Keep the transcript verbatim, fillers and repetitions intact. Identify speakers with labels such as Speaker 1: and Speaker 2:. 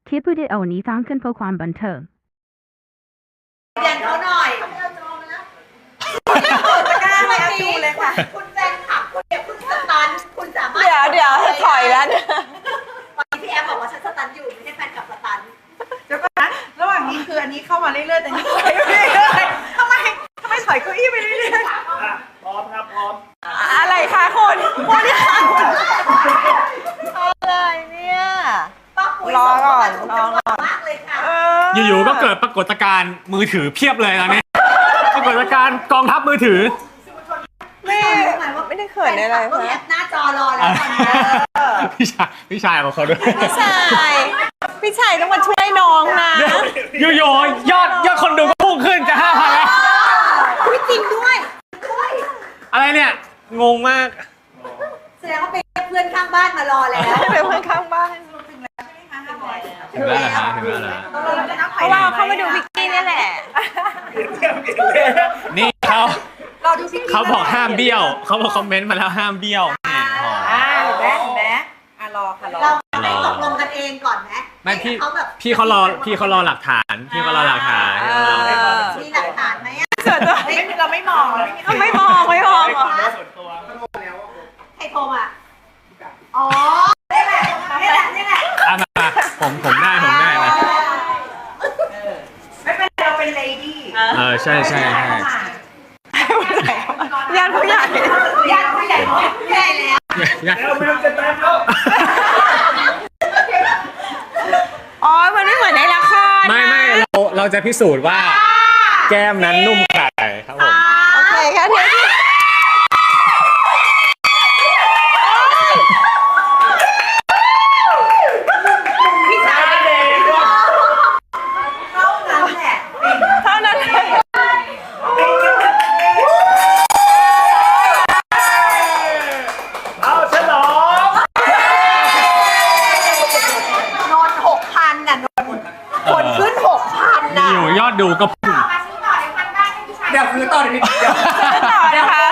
Speaker 1: คลิปวิดีโอนี้สร้างขึ้นเพื่อความบันเทิง
Speaker 2: เรียนเขาหน่อยจะกล้าไม่เอาดูเลยค่ะคุณแฟนคลับคุณเนี่ยคุณสตันคุณสามารถ
Speaker 3: เดี๋ยวเดี๋ยวถอยแล้ว
Speaker 2: ตอนนี้พี่แอฟบอกว่าฉันสตันอยู่ไม่ใช่แฟนคลับสตัน
Speaker 4: เดี๋ยวก่อนนะระหว่างนี้คืออันนี้เข้ามาเรื่อยๆแต่นี่ถอยไปเรื่อยๆทำไมทำไมถอยเก้าอี้ไปเรื่อยๆ
Speaker 5: พร้อมครับพร้อม
Speaker 3: อะไรคะคุณคุณนี่ค่ะคุณอะไรเนี่ย
Speaker 2: ป้าปุ๋ย
Speaker 3: รอก่อนรอก่อน
Speaker 2: มากเลยค่ะ
Speaker 5: อยู่ๆก็เกิดปรากฏการณ์มือถือเพียบเลยตอนนี้ปรากฏการณ์กองทัพมือถือ
Speaker 3: ไม่ไม่ได้เขินอะไร
Speaker 2: เปิดแอปหน้าจอรอแล้วตอนนี้
Speaker 5: พี่ชายพี่ชายของเขาด้วย
Speaker 3: พี่ชายพี่ชายต้องมาช่วยน้องนะ
Speaker 5: อยู่ๆยอดยอดคนดูก็พุ่งขึ้นจะห้าพันแล้ว
Speaker 2: จริงด้วย
Speaker 5: อะไรเนี่ยงงมาก
Speaker 2: แสดงว่าเป็นเพื่อนข้างบ้านมารอแล้ว
Speaker 3: เป็นเพื่อนข้างบ้าน
Speaker 2: ถึงแล้วใช่ไหมคะห้าร้อย
Speaker 5: ถึงแล้วเหรอฮะถึงแล้วเหรอ
Speaker 3: เพราะว่าเขามาดูพิกกี้นี่แหละ
Speaker 5: นี่เขาเขาบอกห้ามเบี้ยวเขาบอกคอมเมนต์มาแล้วห้ามเบี้ยว
Speaker 4: อ่าเห็นไหมเห็นไหมอ่ะรอค่ะรอ
Speaker 2: เราไม่ตกลงกันเองก่อนนะ
Speaker 5: ไม่พี่พี่เขารอพี่เขารอหลักฐานพี่เขารอหลักฐาน
Speaker 2: มีหลักฐานไหมอ่ะ
Speaker 4: เราไม่มอง
Speaker 3: ไม่มองไม่มอง
Speaker 2: ใครโทรมาอ๋อนี่แหละนี่แหละนี่แหละ
Speaker 5: อ่ะมาผมผมได้ผมได้นะ
Speaker 4: ไม่เป็นเราเป็นเลดี้
Speaker 5: เออใช่ใช่ใช่
Speaker 3: ญาติผู้ใหญ่
Speaker 2: ญาติผู้ใหญ่ผู้ใหญ่แล้ว
Speaker 5: แล้วไม่ต้องจะตามแล้ว
Speaker 3: อ๋อมันไม่เหมือนในละคร
Speaker 5: ไม่ไม่เราเราจะพิสูจน์ว่าแก้มนั้นนุ่มขนาดไหนครับผม
Speaker 3: โอเคแค่นี้
Speaker 2: พี่ชายเด็กเท่านั้นแหละ
Speaker 3: เท่านั้นเลย
Speaker 5: เอาฉลอง
Speaker 2: นอนหกพันน่ะนอนคนขึ้นหกพันน่ะ
Speaker 5: อยู่ยอดดูก็พุ่ง
Speaker 4: เดี๋ยวคือต่อเดี๋ยว
Speaker 3: ต่อนะคะ